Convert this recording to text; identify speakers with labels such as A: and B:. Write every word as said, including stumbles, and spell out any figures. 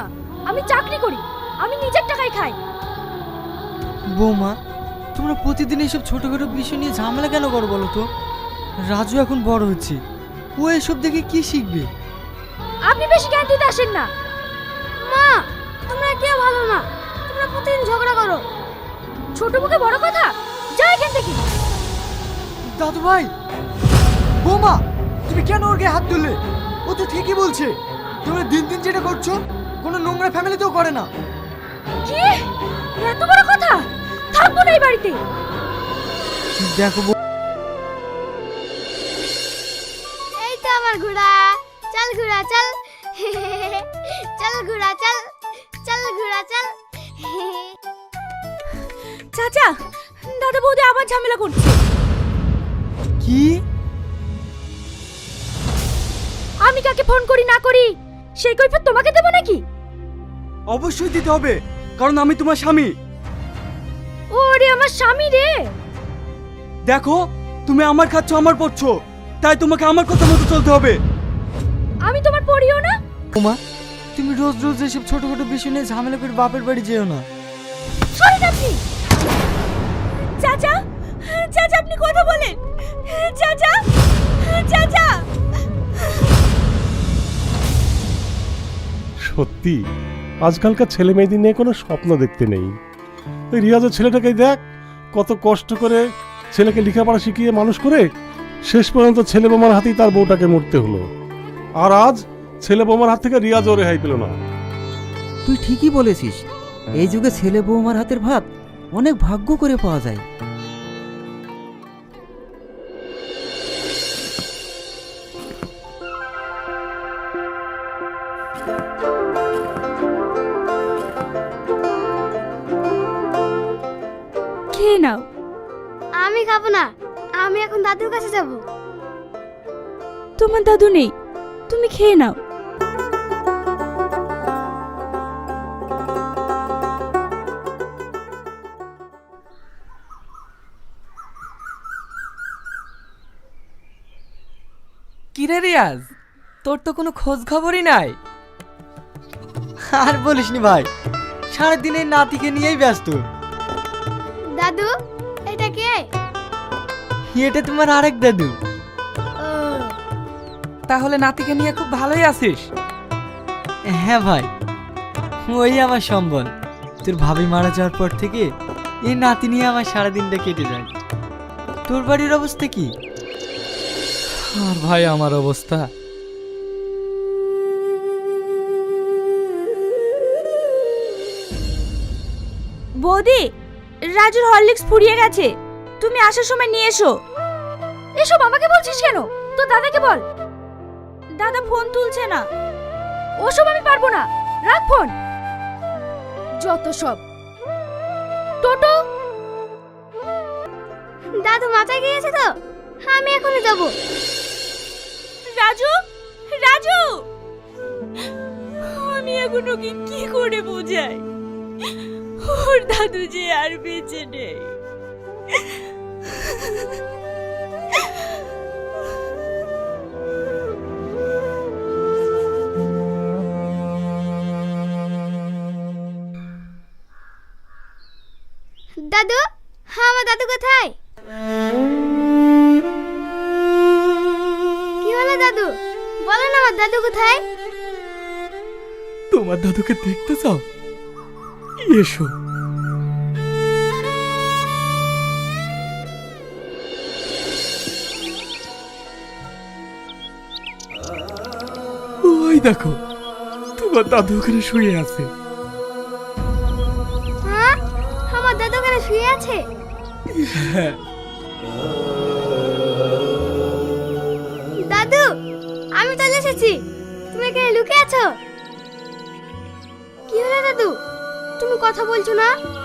A: না, আমি চাকরি করি, আমি নিজের টাকায় খাই।
B: বৌমা, তোমরা প্রতিদিন এসব ছোটখাটো বিষয় নিয়ে ঝামেলা কেন করো বলো তো? রাজু এখন বড় হচ্ছে, ও এসব দেখে কি শিখবে?
A: আপনি বেশি জ্ঞান দিতে আসেন না। মা, তোমরা কেউ ভালো না, তোমরা প্রতিদিন ঝগড়া করো। ছোট মুখে বড় কথা, যা এখান থেকে।
B: দাদু ভাই, বৌমা, তুমি কেন ওর গায়ে হাত তুললে? ও তো ঠিকই বলছে, তোমরা দিন দিন যেটা করছো কোনো নোংরা ফ্যামিলিতেও করে না।
A: কি এত বড় কথা? থাকবো না এই বাড়িতে।
B: দেখো
C: এই তো আমার ঘোড়া, চল ঘোড়া চল, চল ঘোড়া চল, চল ঘোড়া চল।
A: চাচা, দাদা বৌদি আবার ঝামেলা করছে।
B: কি?
A: আমি কাকে ফোন করি না করি সেই কৈফিয়ত তোমাকে দেব নাকি?
B: অবশ্যই দিতে হবে, কারণ আমি তোমার স্বামী।
A: ওরে আমার স্বামী রে।
B: দেখো, তুমি আমার খাচ্ছ, আমার পড়ছো, তাই তোমাকে আমার কথা মতো চলতে হবে।
A: আমি তোমার পড়িও না।
B: ওমা, তুমি রোজ রোজ এসব ছোটখাটো বিষয় নিয়ে ঝামেলা করে বাপের বাড়ি যেও না।
A: সরেন আপনি। চাচা, চাচা আপনি কথা বলেন। চাচা, চাচা।
D: সত্যি আজকালকার ছেলে মেয়েদের নিয়ে কোনো স্বপ্ন দেখতে নেই। ওই রিয়াজের ছেলেটাকে দেখ, কত কষ্ট করে ছেলেকে লেখাপড়া শিখিয়ে মানুষ করে শেষ পর্যন্ত ছেলে বোমার হাতেই তার বউটাকে মরতে হলো। আর আজ ছেলে বোমার হাত থেকে রিয়াজও রেহাই পেল না।
E: তুই ঠিকই বলেছিস, এই যুগে ছেলে বৌমার হাতের ভাত অনেক ভাগ্য করে পাওয়া যায়।
A: খেয়ে নাও।
C: আমি খাবো না, আমি এখন দাদুর কাছে যাব।
A: তোমার দাদু নেই, তুমি খেয়ে নাও।
F: কিরে রিয়াজ, তোর তো কোনো খোঁজ খবরই নাই।
B: আর বলিসনি ভাই, সারাদিন এই নাতিকে নিয়েই ব্যস্ত।
C: দাদু, এটা কে?
B: এটা তোমার আরেক দাদু।
C: ও,
F: তাহলে নাতিকে নিয়ে খুব ভালোই আছিস।
B: হ্যাঁ ভাই, ওই আমার সম্বল। তোর ভাবি মারা যাওয়ার পর থেকে এই নাতি নিয়ে আমার সারাদিনটা কেটে যায়। তোর বাড়ির অবস্থা কি?
F: আর ভাই আমার অবস্থা,
A: বৌদি, রাজুর হরলিক্স ফুরিয়ে গেছে, তুমি আসার সময় নিয়ে এসো। এসব আমাকে বলছিস কেন? তো দাদাকে বল। দাদা ফোন তুলছে না। ওসব আমি পারবো না, রাখ ফোন। যত সব। টোটো,
C: দাদু মাথায় গিয়েছে তো, আমি এখনই যাব।
A: রাজু, রাজু, আমি এখন ওকে কি করে বোঝাই? ওর দাদু যে আর বেঁচে নেই।
C: দাদু, হ্যাঁ আমার দাদু কোথায়? কি হলো দাদু, বলেন আমার দাদু কোথায়?
F: তোমার দাদুকে দেখতে চাও? এসো। ওই দেখো, তোমার দাদু ওখানে শুয়ে আছে।
C: হ্যাঁ, আমার দাদু ওখানে শুয়ে আছে।
F: হ্যাঁ।
C: দাদু, আমি চলে এসেছি, তুমি এখানে লুকিয়ে আছো। কি হলো দাদু, তুমি কথা বলছো না?